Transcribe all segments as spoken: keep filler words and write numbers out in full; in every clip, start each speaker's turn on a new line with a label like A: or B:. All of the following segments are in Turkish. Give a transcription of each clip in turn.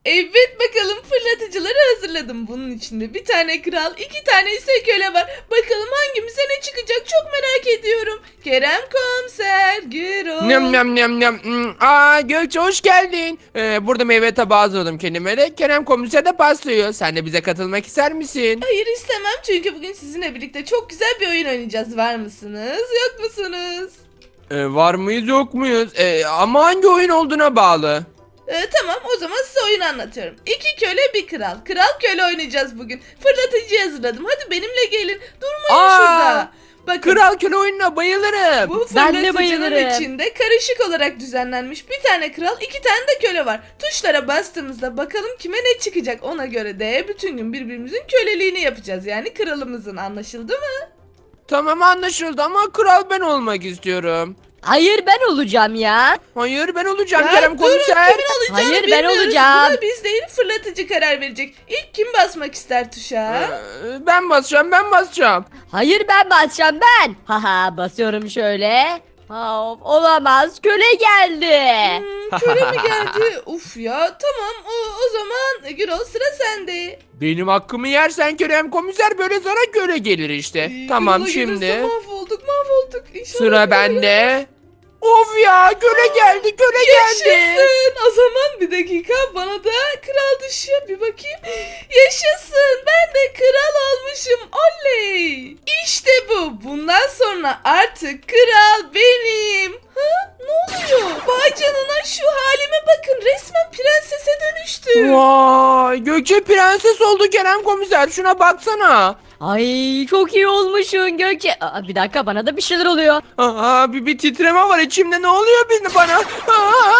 A: Evet bakalım fırlatıcıları hazırladım. Bunun içinde bir tane kral, iki tane ise köle var. Bakalım hangimize ne çıkacak çok merak ediyorum. Kerem Komiser, Gürol.
B: Nem nem nem nem. Hmm, Aa Gökçe hoş geldin. Ee, burada meyve tabağı hazırladım kendime de. Kerem komiser de paslıyor. Sen de bize katılmak ister misin?
A: Hayır istemem çünkü bugün sizinle birlikte çok güzel bir oyun oynayacağız. Var mısınız, yok musunuz?
B: Ee, var mıyız yok muyuz? Ee, ama hangi oyun olduğuna bağlı.
A: Ee, tamam o zaman size oyunu anlatıyorum. İki köle bir kral. Kral köle oynayacağız bugün. Fırlatıcıyı hazırladım. Hadi benimle gelin. Durmayın
B: Aa,
A: şurada. Bakın.
B: Kral köle oyununa bayılırım.
A: Bu
C: Ben de
A: fırlatıcının
C: bayılırım.
A: içinde karışık olarak düzenlenmiş bir tane kral, iki tane de köle var. Tuşlara bastığımızda bakalım kime ne çıkacak, ona göre de bütün gün birbirimizin köleliğini yapacağız. Yani kralımızın, anlaşıldı mı?
B: Tamam anlaşıldı ama kral ben olmak istiyorum.
C: Hayır ben olacağım ya.
B: Hayır ben olacağım
A: Ya
B: Kerem
A: durun,
B: komiser.
A: kimin olacağını
C: Hayır, ben
A: bilmiyoruz.
C: olacağım.
A: Buna biz değil fırlatıcı karar verecek. İlk kim basmak ister tuşa?
B: Ee, ben basacağım ben basacağım.
C: Hayır ben basacağım ben. Haha basıyorum şöyle. Ha, of, olamaz köle geldi.
A: Hmm, köle mi geldi? Uf ya tamam o, o zaman Gürol sıra sende.
B: Benim hakkımı yersen Kerem komiser böyle sana köle gelir işte.
A: Ee,
B: Tamam
A: Gürol'a
B: şimdi.
A: gelirse mahvolduk mahvolduk. İnşallah
B: Sıra
A: Gürol'a
B: bende. Of ya köle geldi köle geldi.
A: Yaşasın. O zaman bir dakika bana da kral düşüyor. Bir bakayım. Yaşasın. Ben de kral olmuşum. Oley. İşte bu. Bundan sonra artık kral benim. Ha? Ne oluyor? Vay canına şu halime bakın. Resmen prensese dönüştüm.
B: Vay Gökçe prenses oldu Kerem komiser şuna baksana.
C: Ay çok iyi olmuşsun Gökçe. Aa, bir dakika bana da bir şeyler oluyor.
B: Aa, bir, bir titreme var içimde ne oluyor benim bana? Aa!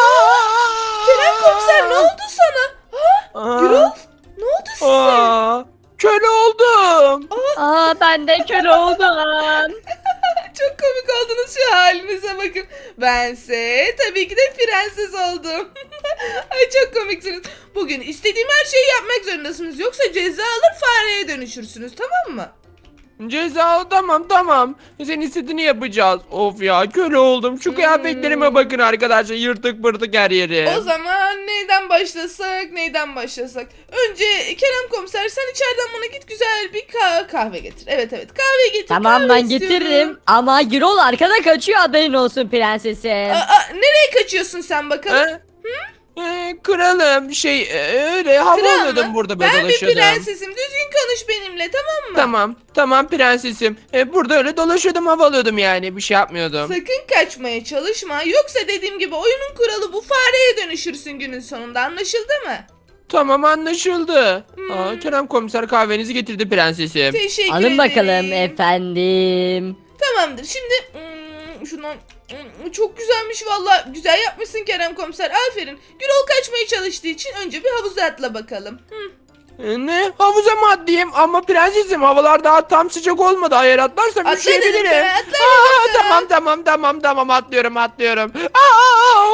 A: Kerem komiser ne oldu sana? Ha?
B: Aa!
A: Gürol ne oldu size?
B: Aa, köle oldum.
C: Aa ben de köle oldum.
A: Çok komik oldunuz şu halinize bakın. Bense tabii ki de prenses oldum. Ay çok komiksiniz. Bugün istediğim her şeyi yapmak zorundasınız. Yoksa ceza alır fareye dönüşürsünüz, tamam mı?
B: Ceza tamam tamam. Senin istediğini yapacağız. Of ya köle oldum. Şu kıyafetlerime bakın arkadaşlar. Yırtık pırtık her yeri.
A: O zaman neyden başlasak neyden başlasak. Önce Kerem komiser sen içeriden bana git güzel bir kah- kahve getir. Evet evet kahve getir.
C: Tamam
A: kahve
C: ben
A: istiyorum.
C: getiririm. Ama Gürol arkada kaçıyor haberin olsun prensesim.
A: Aa, aa, nereye kaçıyorsun sen bakalım?
B: Ha? Ee, kralım şey e, öyle hava
A: Kral
B: alıyordum
A: mı?
B: burada böyle
A: Ben bir
B: dolaşıyordum.
A: prensesim. Düzgün konuş benimle, tamam mı?
B: Tamam tamam prensesim. E, burada öyle dolaşıyordum hava alıyordum yani bir şey yapmıyordum.
A: Sakın kaçmaya çalışma. Yoksa dediğim gibi oyunun kuralı bu, fareye dönüşürsün günün sonunda, anlaşıldı mı?
B: Tamam anlaşıldı.
A: Hmm.
B: Aa, Kerem komiser kahvenizi getirdi prensesim.
A: Teşekkür
C: Alın
A: ederim.
C: bakalım efendim.
A: Tamamdır. Şimdi hmm, şundan hmm, çok güzelmiş valla. Güzel yapmışsın Kerem komiser. Aferin. Gürol kaçmaya çalıştığı için önce bir havuza atla bakalım. Hı.
B: E, ne havuza mı atlayayım ama prensesim havalar daha tam sıcak olmadı. Eğer atlarsam
A: Atla dedim
B: üşüyebilirim.
A: sana, atla
B: Aa,
A: dedim sana.
B: tamam tamam tamam tamam atlıyorum atlıyorum. Aa!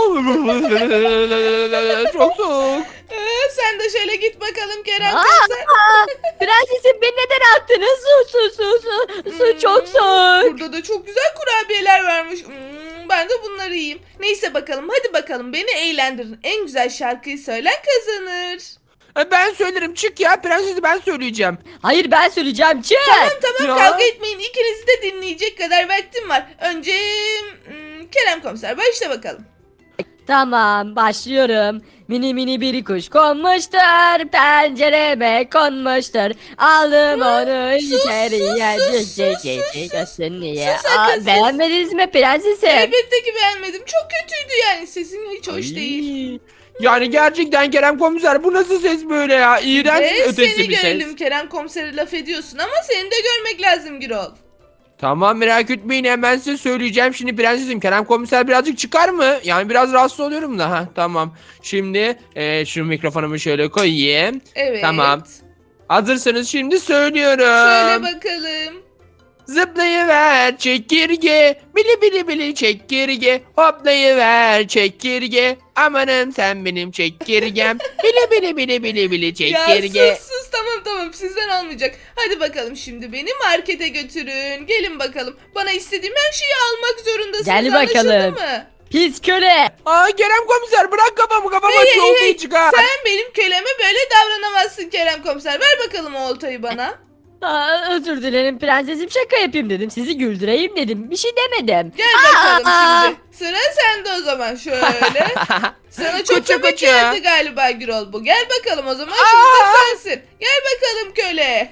B: Çok soğuk.
A: Ee, sen de şöyle git bakalım Kerem
C: Aa,
A: komiser.
C: aa, prensesim beni neden attınız? Su su su su. Su çok
A: Hmm,
C: soğuk.
A: Burada da çok güzel kurabiyeler varmış. Hmm, ben de bunları yiyeyim. Neyse bakalım, hadi bakalım beni eğlendirin. En güzel şarkıyı söylen kazanır.
B: E, Ben söylerim çık ya prensesi ben söyleyeceğim.
C: Hayır ben söyleyeceğim çık.
A: Tamam
B: Ya.
A: kavga etmeyin. İkinizi de dinleyecek kadar vaktim var. Önce hmm, Kerem komiser başla bakalım.
C: Tamam başlıyorum. Mini mini bir kuş konmuştur. Pencereme konmuştur. Aldım onu
A: sus,
C: içeriye.
A: sus,
C: Cik
A: sus,
C: cik
A: sus,
C: cik
A: sus,
C: cik
A: sus.
C: olsun diye.
A: Sus, sakın
C: Aa,
A: sus.
C: beğenmediniz mi prensesim?
A: Elbette ki beğenmedim. Çok kötüydü yani. Sesin hiç hoş
B: Ay.
A: değil.
B: Yani gerçekten Kerem komiser bu nasıl ses böyle ya? İğrenç
A: Ve
B: ötesi
A: seni
B: bir ses.
A: görelim, Kerem komisere laf ediyorsun ama seni de görmek lazım Gürol.
B: Tamam merak etmeyin hemen size söyleyeceğim. Şimdi prensesim Kerem komiser birazcık çıkar mı? Yani biraz rahatsız oluyorum da. Ha, tamam. Şimdi e, şu mikrofonumu şöyle koyayım.
A: Evet.
B: Tamam. Hazırsanız şimdi söylüyorum.
A: Söyle bakalım.
B: Zıplayıver çekirge, bili bili bili çekirge, hoplayıver çekirge, amanım sen benim çekirgem, bili bili bili bili bili çekirge.
A: Ya sus sus, tamam tamam, sizden olmayacak. Hadi bakalım şimdi beni markete götürün. Gelin bakalım. Bana istediğim her şeyi almak zorundasınız.
C: Gel
A: Anlaşıldı
C: bakalım.
A: mı?
C: Pis köle.
B: Aa Kerem komiser bırak kafamı kafama
A: Hey, hey,
B: şu oltayı
A: hey,
B: çıkar.
A: sen benim köleme böyle davranamazsın Kerem komiser. Ver bakalım o oltayı bana.
C: Aa, özür dilerim prensesim, şaka yapayım dedim. Sizi güldüreyim dedim. Bir şey demedim.
A: Gel bakalım
C: Aa!
A: şimdi. Sıra sende o zaman şöyle. Sana çok
B: Koça
A: komik
B: koça.
A: geldi galiba Gürol bu. Gel bakalım o zaman şimdi de sensin. Gel bakalım köle.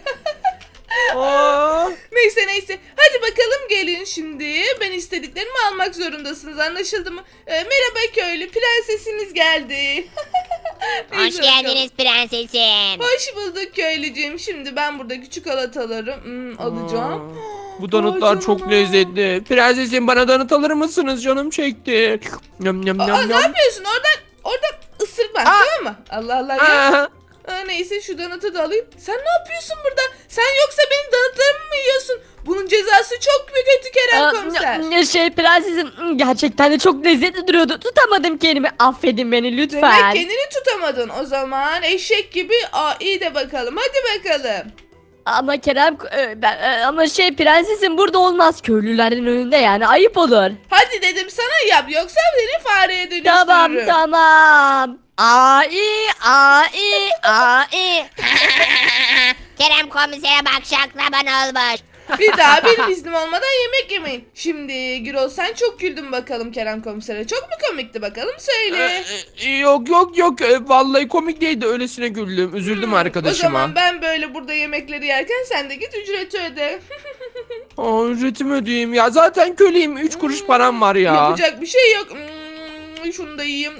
B: Aa,
A: Neyse neyse. Hadi bakalım gelin şimdi. Ben istediklerimi almak zorundasınız, anlaşıldı mı? Ee, merhaba köylü, prensesiniz geldi.
D: Hoş
A: Neyse bakalım.
D: geldiniz prensesim.
A: Hoş bulduk köylücüğüm. Şimdi ben buradaki çikolataları hmm, alacağım.
B: bu donutlar
A: Vay
B: çok
A: canına.
B: lezzetli. Prensesim bana donut alır mısınız? Canım çekti. Yum yum
A: Aa,
B: yum
A: ne
B: yum.
A: yapıyorsun? Oradan oradan ısırma,
B: Aa.
A: tamam mı? Allah Allah ya.
B: Aa,
A: Aa, neyse şu donatı da alayım. Sen ne yapıyorsun burada? Sen yoksa benim donatlarımı mı yiyorsun? Bunun cezası çok kötü Kerem
C: Aa,
A: komiser.
C: n- şey prensesim, gerçekten de çok lezzetli duruyordu. Tutamadım kendimi. Affedin beni
A: Demek
C: lütfen.
A: kendini tutamadın. O zaman eşek gibi aa, iyi de bakalım. Hadi bakalım.
C: Ama Kerem e, ben, e, ama şey prensesim burada olmaz, köylülerin önünde yani ayıp olur.
A: Hadi dedim sana yap, yoksa seni fareye dönüştürürüm.
C: Tamam tamam. Ai ai ai.
D: Kerem komisere bak şaklaban olmuş.
A: Bir daha benim iznim olmadan yemek yemeyin. Şimdi Gürol sen çok güldün bakalım Kerem komisere. Çok mu komikti bakalım söyle.
B: e, e, yok yok yok. E, Vallahi komik değildi. Öylesine güldüm. Üzüldüm
A: Hmm, O
B: arkadaşıma.
A: zaman ben böyle burada yemekleri yerken sen de git ücreti öde.
B: Aa, ücretimi ödeyeyim ya. Zaten köleyim. Üç kuruş param var ya.
A: Yapacak bir şey yok. Hmm, şunu da yiyeyim.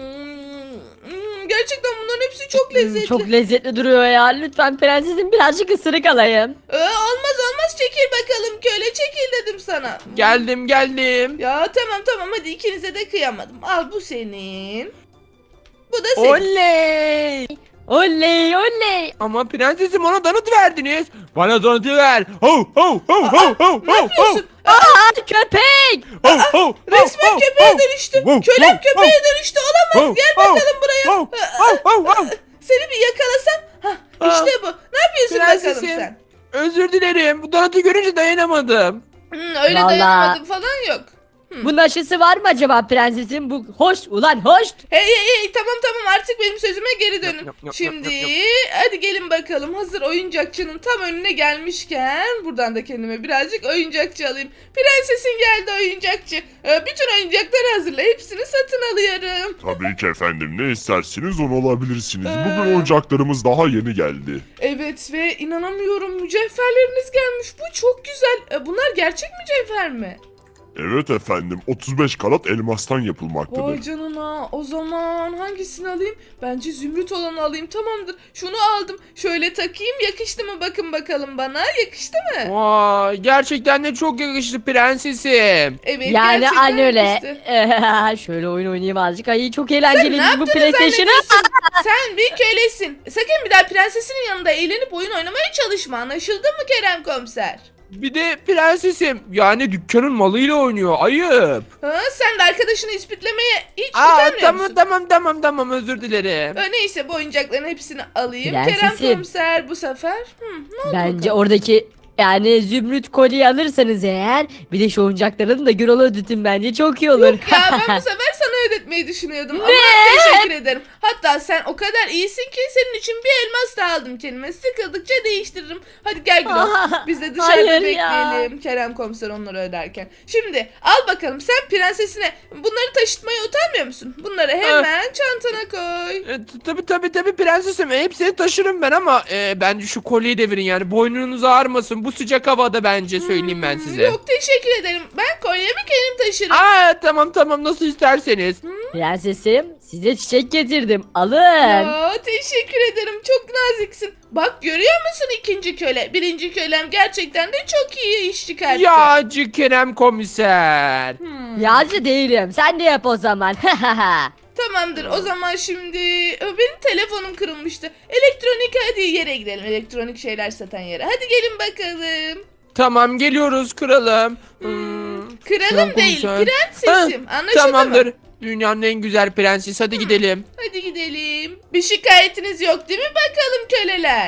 A: Hmm, hmm, gerçekten bunların hepsi çok lezzetli.
C: Çok lezzetli duruyor ya. Lütfen prensesim birazcık ısırık alayım.
A: Ee, olmaz olmaz, çekil bakalım köle, çekil dedim sana.
B: Geldim geldim.
A: Ya tamam tamam, hadi ikinize de kıyamadım. Al bu senin. Bu da senin.
B: Oley.
C: Oley oley.
B: Ama prensesim ona donut verdiniz. Bana donutu ver. Ho ho ho ho ho
A: Ne yapıyorsun?
C: Aa köpek.
B: ho ho.
A: Resmen köpeğe dönüştü.
B: Wow,
A: Kölem
B: wow,
A: köpeğe dönüştü. Olamaz. Gel bakalım buraya.
B: Ho ho ho ho.
A: Seni bir yakalasam. Hah, işte bu. Ne yapıyorsun bakalım
B: Prensesim.
A: sen?
B: Özür dilerim. Bu donutu görünce dayanamadım.
A: Hmm, öyle
C: Vallahi.
A: dayanamadım falan yok.
C: Bunun aşısı var mı acaba prensesim? Bu hoş ulan hoş.
A: Hey hey hey, tamam tamam, artık benim sözüme geri dönün.
B: Yap, yap, yap,
A: Şimdi
B: yap,
A: hadi gelin bakalım, hazır oyuncakçının tam önüne gelmişken buradan da kendime birazcık oyuncakçı alayım. Prensesin geldi oyuncakçı. Ee, bütün oyuncakları hazırla, hepsini satın alıyorum.
E: Tabii ki efendim, ne isterseniz onu alabilirsiniz.
A: Ee?
E: Bugün oyuncaklarımız daha yeni geldi.
A: Evet ve inanamıyorum, mücevherleriniz gelmiş. Bu çok güzel. Ee, bunlar gerçek mücevher mi?
E: Evet efendim, otuz beş karat elmastan
A: Vay
E: yapılmaktadır.
A: canına, o zaman hangisini alayım? Bence zümrüt olanı alayım, tamamdır. Şunu aldım, şöyle takayım, yakıştı mı bakın bakalım bana, yakıştı mı?
B: Vay, gerçekten de çok yakıştı prensesim.
A: Evet,
C: Yani
A: gerçekten
C: aynı öyle.
A: yakıştı.
C: Şöyle oyun oynayayım azıcık. Ay çok
A: Sen
C: eğlenceli
A: ne
C: bu
A: yaptığını
C: PlayStation'ı.
A: zannediyorsun? Sen bir kölesin. Sakın bir daha prensesinin yanında eğlenip oyun oynamaya çalışma, anlaşıldı mı Kerem komiser?
B: Bir de prensesim yani dükkanın malıyla oynuyor. Ayıp.
A: Ha, sen de arkadaşını ispitlemeye hiç
B: Aa,
A: utanmıyor
B: tamam
A: musun?
B: tamam tamam tamam özür dilerim.
A: Ha, neyse, bu oyuncakların hepsini alayım.
C: Prensesim.
A: Kerem komiser bu sefer. Hı, ne oldu
C: Bence
A: bakalım?
C: oradaki yani zümrüt kolyeyi alırsanız eğer, bir de şu oyuncakların da Gürol'a ödütün, bence çok iyi olur.
A: Yok ya, ben bu sefer sana ödetmeyi düşünüyordum. Ama teşekkür ederim. Hatta sen o kadar iyisin ki senin için bir elmas da aldım kendime. Sıkıldıkça değiştiririm. Hadi gel Gülüm. Biz de dışarıda
C: Hayır ya.
A: bekleyelim. Kerem komiser onları öderken. Şimdi al bakalım, sen prensesine bunları taşıtmaya utanmıyor musun? Bunları hemen çantana koy.
B: E, t- tabii tabii tabii prensesim. E, hepsini taşırım ben ama e, bence şu kolyeyi devirin yani. Boynunuz ağrımasın. Bu sıcak havada bence söyleyeyim ben size.
A: Yok, teşekkür ederim. Ben kolyemi kendim taşırım.
B: Aa tamam tamam nasıl isterseniz.
C: Prensesim, size çiçek getirdim. Alın.
A: Ya, teşekkür ederim. Çok naziksin. Bak, görüyor musun ikinci köle? Birinci kölem gerçekten de çok iyi iş çıkarttı.
B: Yağcı Kerem komiser.
A: Hmm.
C: Yağcı değilim. Sen de yap o zaman.
A: Tamamdır. O zaman şimdi Ö, benim telefonum kırılmıştı. Elektronik, hadi yere gidelim. Elektronik şeyler satan yere. Hadi gelin bakalım.
B: Tamam geliyoruz kralım. Hmm,
A: Kralım
B: Kerem
A: değil,
B: komiser.
A: prensesim.
B: Ha,
A: Anlaşıldı
B: Tamamdır.
A: mı?
B: Dünyanın en güzel prenses. Hadi gidelim.
A: Hadi gidelim. Bir şikayetiniz yok değil mi bakalım köleler?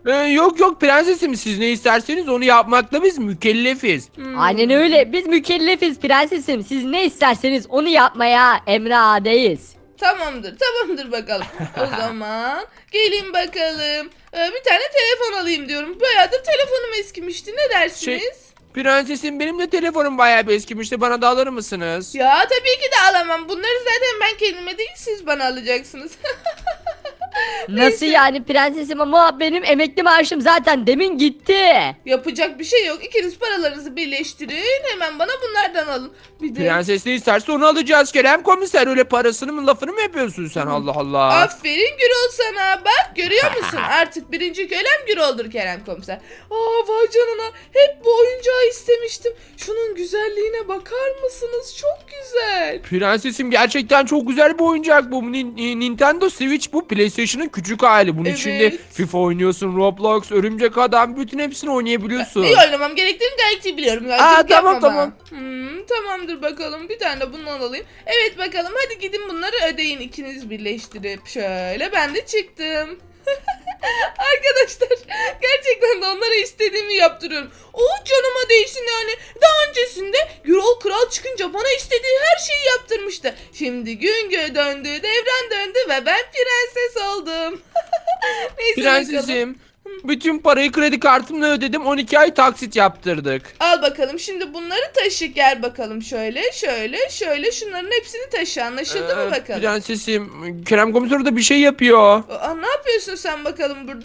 B: Ee, yok yok prensesim, siz ne isterseniz onu yapmakla biz mükellefiz.
A: Hmm.
C: Aynen öyle. Biz mükellefiz prensesim. Siz ne isterseniz onu yapmaya emradeyiz.
A: Tamamdır, tamamdır bakalım. O zaman gelin bakalım. Ee, bir tane telefon alayım diyorum. Bayağıdır telefonum eskimişti. Ne dersiniz?
B: Şey- Prensesim, benim de telefonum bayağı bir eskimişti, bana da alır mısınız?
A: Ya tabii ki de alamam. Bunları zaten ben kendime değil siz bana alacaksınız.
C: Nasıl yani prensesim, ama benim emekli maaşım zaten demin gitti.
A: Yapacak bir şey yok. İkiniz paralarınızı birleştirin. Hemen bana bunlardan alın. Bir de
B: Prenses ne isterse onu alacağız Kerem komiser, öyle parasını mı lafını mı yapıyorsun sen, Allah Allah.
A: aferin Gürol sana. Bak görüyor musun? Artık birinci kölem Gürol'dur Kerem komiser. Aa vay canına. Hep bu oyuncağı istemiştim. Şunun güzelliğine bakar mısınız? Çok güzel.
B: Prensesim, gerçekten çok güzel bir oyuncak bu. Nin- Nintendo Switch bu, PlayStation'ın küçük hali. Bunun
A: Evet.
B: içinde FIFA oynuyorsun, Roblox, Örümcek Adam, bütün hepsini oynayabiliyorsun.
A: İyi oynamam gerektiğini gayet iyi biliyorum.
B: Aa,
A: Gayet
B: tamam,
A: yapma
B: tamam.
A: bana. Hmm, tamamdır bakalım. Bir tane de bundan alayım. Evet bakalım hadi gidin bunları ödeyin ikiniz birleştirip. Şöyle ben de çıktım. Arkadaşlar gerçekten de onlara istediğimi yaptırıyorum. O canıma değsin yani. Daha öncesinde Gürol Kral çıkınca bana istediği her şeyi yaptırmıştı. Şimdi gün gö döndü, devran döndü ve ben prenses oldum. Neyse bakalım.
B: Prensesim, bütün parayı kredi kartımla ödedim, on iki ay taksit yaptırdık.
A: Al bakalım şimdi bunları taşı gel bakalım şöyle şöyle şöyle şunların hepsini taşı anlaşıldı mı
B: Ee,
A: bakalım?
B: Prensesim, Kerem komiser de bir şey yapıyor.
A: Aa, ne yapıyorsun sen bakalım burada?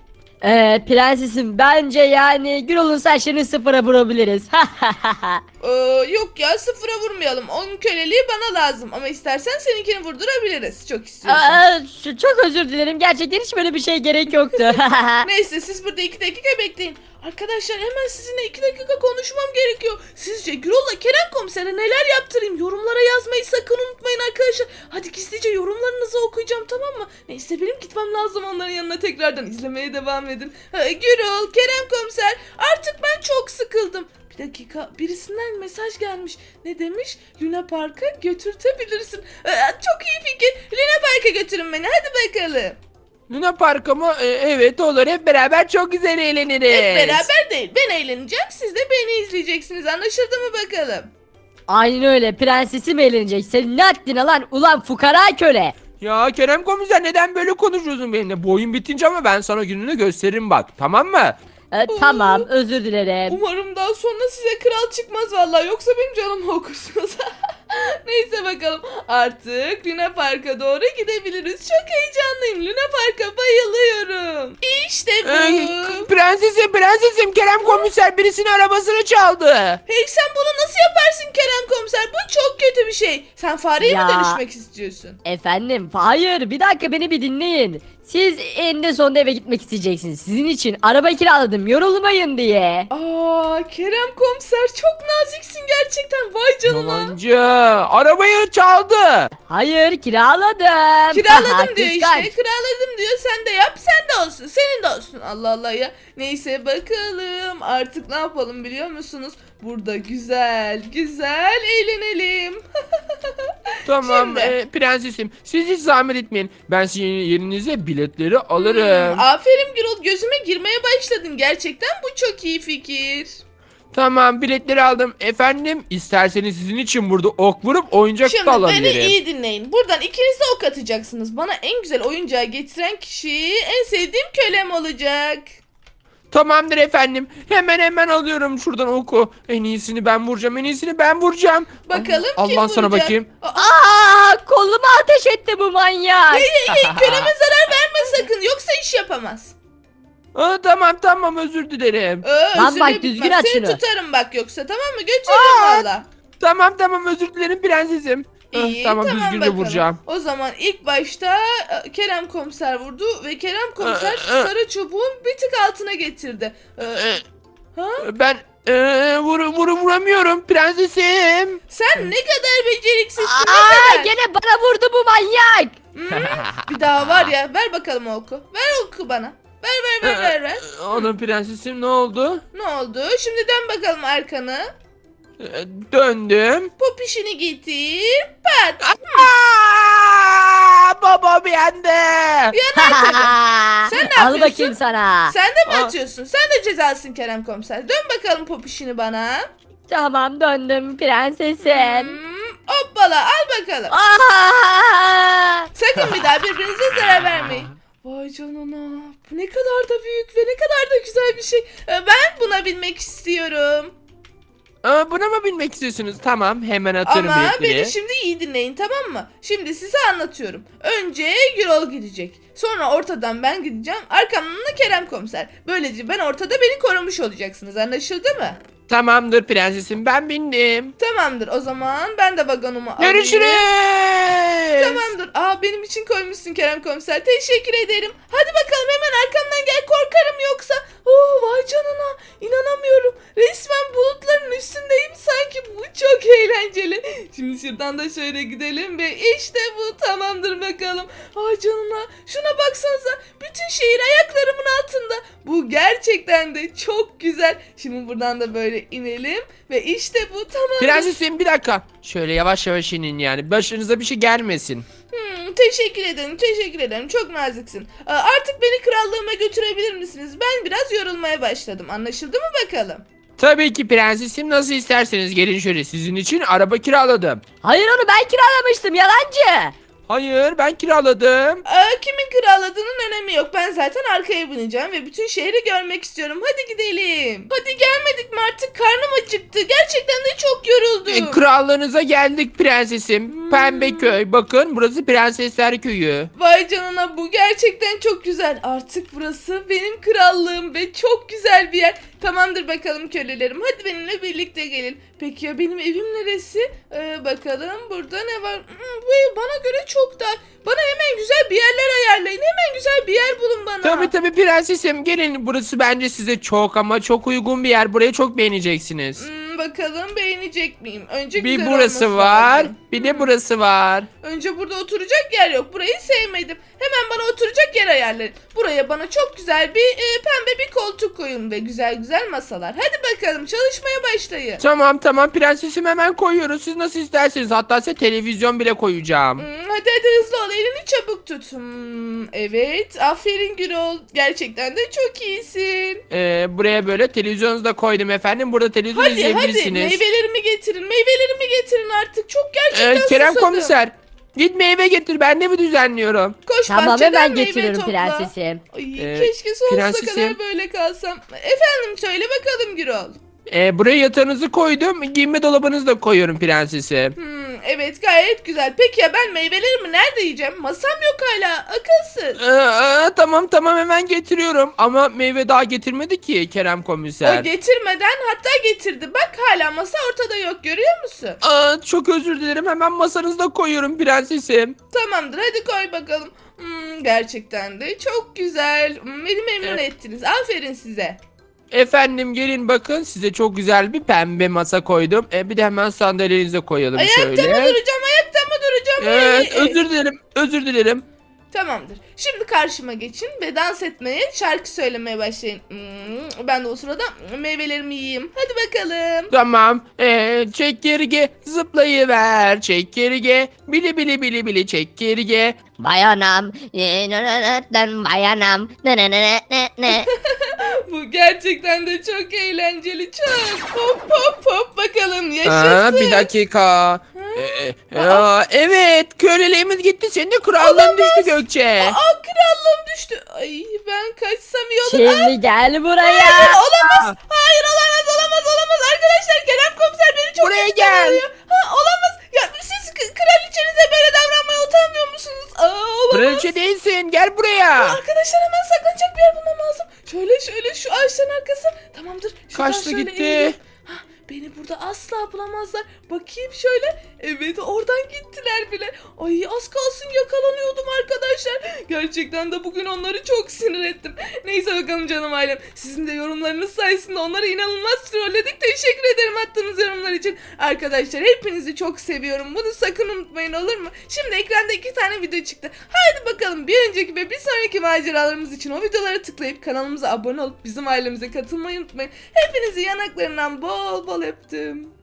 C: Ee, prensesim bence yani Gürol'un saçlarını sıfıra vurabiliriz.
A: Ee, yok ya sıfıra vurmayalım. Onun köleliği bana lazım ama istersen seninkini vurdurabiliriz. Çok istiyorsan.
C: Aa, şu- çok özür dilerim, gerçekten hiç böyle bir şey gerek yoktu.
A: Neyse siz burada iki dakika bekleyin. Arkadaşlar hemen sizinle iki dakika konuşmam gerekiyor. Sizce Gürol'la Kerem komisere neler yaptırayım? Yorumlara yazmayı sakın unutmayın arkadaşlar. Hadi gizlice yorumlarınızı okuyacağım tamam mı? Neyse benim gitmem lazım onların yanına tekrardan izlemeye devam edin. Ha, Gürol, Kerem komiser artık ben çok sıkıldım. Bir dakika birisinden mesaj gelmiş. Ne demiş? Luna Park'a götürtebilirsin. Ee, çok iyi fikir. Luna Park'a götürün beni hadi bakalım.
B: Luna Park'a mı? Ee, evet olur, hep beraber çok güzel eğleniriz.
A: Hep beraber değil. Ben eğleneceğim. Siz de beni izleyeceksiniz. Anlaşıldı mı bakalım?
C: Aynen öyle, prensesim eğlenecek. Senin ne haddine lan ulan fukara köle.
B: Ya Kerem komiser, neden böyle konuşuyorsun benimle? Bu oyun bitince ama ben sana gününü gösteririm bak, tamam mı?
C: Ee, tamam, özür dilerim.
A: Umarım daha sonra size kral çıkmaz vallahi. Yoksa benim canımı okursunuz. Neyse bakalım. Artık Luna Park'a doğru gidebiliriz. Çok heyecanlıyım. Luna Park'a bayılıyorum. İşte bu.
B: Ee, prensesim prensesim, Kerem komiser birisinin arabasını çaldı.
A: Hey sen bunu nasıl yaparsın Kerem komiser? Bu çok kötü bir şey. Sen fareye mi
C: Ya.
A: dönüşmek istiyorsun?
C: Efendim hayır, bir dakika beni bir dinleyin. Siz eninde sonunda eve gitmek isteyeceksiniz. Sizin için araba kiraladım, yorulmayın diye.
A: Aa Kerem komiser çok naziksin gerçekten. Vay canına.
B: Yalancı, arabayı çaldı.
C: Hayır, kiraladım.
A: Kiraladım diyor
C: Kıskanç.
A: işte. Kiraladım diyor. Sen de yap. Sen de olsun. Senin de olsun. Allah Allah ya. Neyse bakalım. Artık ne yapalım biliyor musunuz? Burada güzel güzel eğlenelim.
B: Tamam
A: Şimdi.
B: e, prensesim, siz hiç zahmet etmeyin. Ben sizin yerinize biletleri alırım.
A: Hmm, aferin Gürol. Gözüme girmeye başladın. Gerçekten bu çok iyi fikir.
B: Tamam, biletleri aldım. Efendim, isterseniz sizin için burada ok vurup oyuncak
A: Şimdi
B: da
A: beni
B: alabilirim.
A: iyi dinleyin. Buradan ikiniz de ok atacaksınız. Bana en güzel oyuncağı getiren kişi en sevdiğim kölem olacak.
B: Tamamdır efendim. Hemen hemen alıyorum şuradan oku. En iyisini ben vuracağım. En iyisini ben vuracağım.
A: Bakalım
B: Allah,
A: kim
B: Allah sana
A: vuracak?
B: bakayım.
A: Aa,
C: Aa, koluma ateş etti bu manyak.
A: hey hey hey köleme zarar verme sakın yoksa iş yapamaz.
B: Aa, tamam tamam, özür dilerim.
A: Ee,
C: Lan
A: özürle
C: bak,
A: bitmez.
C: düzgün at
A: Seni
C: şunu.
A: tutarım bak yoksa tamam mı? Götürürüm valla.
B: Tamam tamam, özür dilerim prensesim. Ah,
A: İyi
B: tamam,
A: tamam,
B: düzgünce
A: bakalım.
B: vuracağım.
A: O zaman ilk başta e, Kerem komiser vurdu ve Kerem komiser
B: Ee, e.
A: sarı çubuğun bir tık altına getirdi. Ee,
B: Ee,
A: ha?
B: Ben e, vur, vur, vuramıyorum prensesim.
A: Sen ne kadar beceriksizsin
C: Aa,
A: ne kadar.
C: gene bana vurdu bu manyak.
A: Hmm, bir daha var ya ver bakalım o oku. Ver oku bana. Ver ver ver ver ver.
B: Onun prensesim, ne oldu?
A: Ne oldu? Şimdi dön bakalım arkanı.
B: Ee, Döndüm.
A: Popişini getir. Pat.
B: Aa, babam yandı.
A: Yanar tabii. Sen
C: Al
A: yapıyorsun?
C: bakayım sana.
A: Sen de mi
B: Aa.
A: atıyorsun? Sen de cezalısın Kerem komiser. Dön bakalım popişini bana.
C: Tamam döndüm prensesim.
A: Hmm, hoppala al bakalım.
C: Aa!
A: Sakın bir daha birbirinize zarar vermeyin. Vay canına. Bu ne kadar da büyük ve ne kadar da güzel bir şey. Ee, Ben buna binmek istiyorum.
B: Aa, buna mı binmek istiyorsunuz? Tamam, hemen atıyorum
A: Ama
B: biletleri.
A: beni şimdi iyi dinleyin, tamam mı? Şimdi size anlatıyorum. Önce Gürol gidecek. Sonra ortadan ben gideceğim. Arkamdan da Kerem komiser. Böylece ben ortada, beni korumuş olacaksınız. Anlaşıldı mı?
B: Tamamdır prensesim, ben bindim.
A: Tamamdır. O zaman ben de vagonumu alayım.
B: Görüşürüz.
A: Tamamdır. Aa, benim için koymuşsun Kerem komiser. Teşekkür ederim. Hadi bakalım, hemen arkamdan gel, korkarım yoksa. Oh, vay canına. İnanamıyorum. Resmen bulutların üstündeyim sanki. Bu çok eğlenceli. Şimdi şuradan da şöyle gidelim ve işte bu, tamamdır bakalım. Vay canına. Şuna baksanıza. Bütün şehir ayaklarımın altında. Bu gerçekten de çok güzel. Şimdi buradan da böyle inelim ve işte bu, tamam.
B: Prensesim bir dakika. Şöyle yavaş yavaş inin yani. Başınıza bir şey gelmesin.
A: Hmm, teşekkür ederim, teşekkür ederim. Çok naziksin. Aa, artık beni krallığıma götürebilir misiniz? Ben biraz yorulmaya başladım. Anlaşıldı mı bakalım?
B: Tabii ki prensesim, nasıl isterseniz gelin şöyle, sizin için araba kiraladım.
C: Hayır onu ben kiralamıştım yalancı.
B: Hayır, ben kiraladım.
A: Aa, kimin kiraladığının önemi yok. Ben zaten arkaya bineceğim ve bütün şehri görmek istiyorum. Hadi gidelim. Hadi gelmedik mi artık? Karnım acıktı. Gerçekten de çok yoruldum.
B: E, krallığınıza geldik prensesim. Pembe köy. Bakın, burası Prensesler Köyü.
A: Vay canına, bu gerçekten çok güzel. Artık burası benim krallığım ve çok güzel bir yer. Tamamdır bakalım kölelerim. Hadi benimle birlikte gelin. Peki ya benim evim neresi? Ee, bakalım burada ne var? Hmm, bu ev bana göre çok dar. Bana hemen güzel bir yerler ayarlayın. Hemen güzel bir yer bulun bana.
B: Tabii tabii prensesim, gelin, burası bence size çok ama çok uygun bir yer. Burayı çok beğeneceksiniz.
A: Hmm, bakalım beğenecek miyim? Önce
B: Bir
A: güzel
B: burası
A: olması
B: var,
A: lazım.
B: bir de burası var.
A: Önce burada oturacak yer yok. Burayı sevmedim. Hemen bana oturacak yer ayarlayın. Buraya bana çok güzel bir e, pembe bir koltuk koyun ve güzel güzel masalar. Hadi bakalım çalışmaya başlayın.
B: Tamam tamam prensesim, hemen koyuyoruz. Siz nasıl isterseniz, hatta size televizyon bile koyacağım.
A: Hmm, hadi hadi hızlı ol, elini çabuk tut. Hmm, evet, aferin Gürol. Gerçekten de çok iyisin.
B: Ee, buraya böyle televizyonunuzu da koydum efendim. Burada televizyon
A: Hadi hadi
B: izleyebilirsiniz.
A: meyvelerimi getirin. Meyvelerimi getirin artık. Çok gerçekten
B: Ee, Kerem
A: susadım.
B: komiser, git meyve getir, ben de mi düzenliyorum?
A: Koş
C: Tamam
A: bahçeden
C: hemen
A: meyve
C: getiriyorum
A: topla.
C: prensesim.
A: Ay,
B: Ee,
A: keşke sonsuza
B: prensesim.
A: kadar böyle kalsam. Efendim söyle bakalım Gürol.
B: Ee, buraya yatağınızı koydum, giyinme dolabınızı da koyuyorum prensesim.
A: Hmm, evet gayet güzel. Peki ya ben meyvelerimi nerede yiyeceğim? Masam yok hala. Akılsız.
B: Ee, aa, tamam tamam hemen getiriyorum. Ama meyve daha getirmedi ki Kerem komiser.
A: O getirmeden hatta getirdi. Bak hala masa ortada yok, görüyor musun?
B: Aa, çok özür dilerim, hemen masanızda koyuyorum prensesim.
A: Tamamdır hadi koy bakalım. Hmm, gerçekten de çok güzel. Hmm, beni memnun
B: Evet.
A: ettiniz. Aferin size.
B: Efendim gelin bakın, size çok güzel bir pembe masa koydum. Ee, bir de hemen sandalyenize koyalım
A: Ayakta
B: şöyle.
A: mı duracağım? Ayakta mı duracağım?
B: Evet,
A: Ay, ay, ay.
B: özür dilerim, özür dilerim.
A: Tamamdır. Şimdi karşıma geçin ve dans etmeye, şarkı söylemeye başlayın. Hmm, ben de o sırada meyvelerimi yiyeyim. Hadi bakalım.
B: Tamam. Ee, çekirge zıplayıver, çekirge bili bili bili bili çekirge.
D: Bayanam. e, nı nı nı nı, Bayanam. Nı nı nı nı nı nı.
A: Bu gerçekten de çok eğlenceli. Çok. Hop hop hop bakalım.
B: Aa,
A: Yaşasın.
B: bir dakika. Ee, aa, evet, köleliğimiz gitti, senin de krallığın düştü Gökçe.
A: Aa, krallığım düştü. Ay ben kaçsam iyi olur.
C: Şimdi gel buraya.
A: Hayır, olamaz. Hayır olamaz olamaz olamaz. Arkadaşlar Kerem komiser beni çok
B: Buraya
A: kötü
B: gel.
A: davranıyor. Ha, olamaz. Ya siz k- kraliçenize böyle davranmaya utanmıyor musunuz? Aa, olamaz.
B: Kraliçe değilsin, gel buraya.
A: Arkadaşlar hemen saklanacak bir yer bulmam lazım. Şöyle şöyle şu ağaçların arkası. Tamamdır. Şuradan
B: Kaçtı
A: şöyle
B: gitti.
A: eğileyim. Hah, beni burada asla bulamazlar. Bakayım şöyle. Evet oradan gittiler bile. Ay az kalsın yakalanıyordum arkadaşlar. Gerçekten de bugün onları çok sinir ettim. Neyse bakalım canım ailem. Sizin de yorumlarınız sayesinde onları inanılmaz trolledik. Teşekkür ederim attığınız yorumlar için. Arkadaşlar hepinizi çok seviyorum. Bunu sakın unutmayın, olur mu? Şimdi ekranda iki tane video çıktı. Haydi bakalım bir önceki ve bir sonraki maceralarımız için o videolara tıklayıp kanalımıza abone olup bizim ailemize katılmayı unutmayın. Hepinizi yanaklarından bol bol öptüm.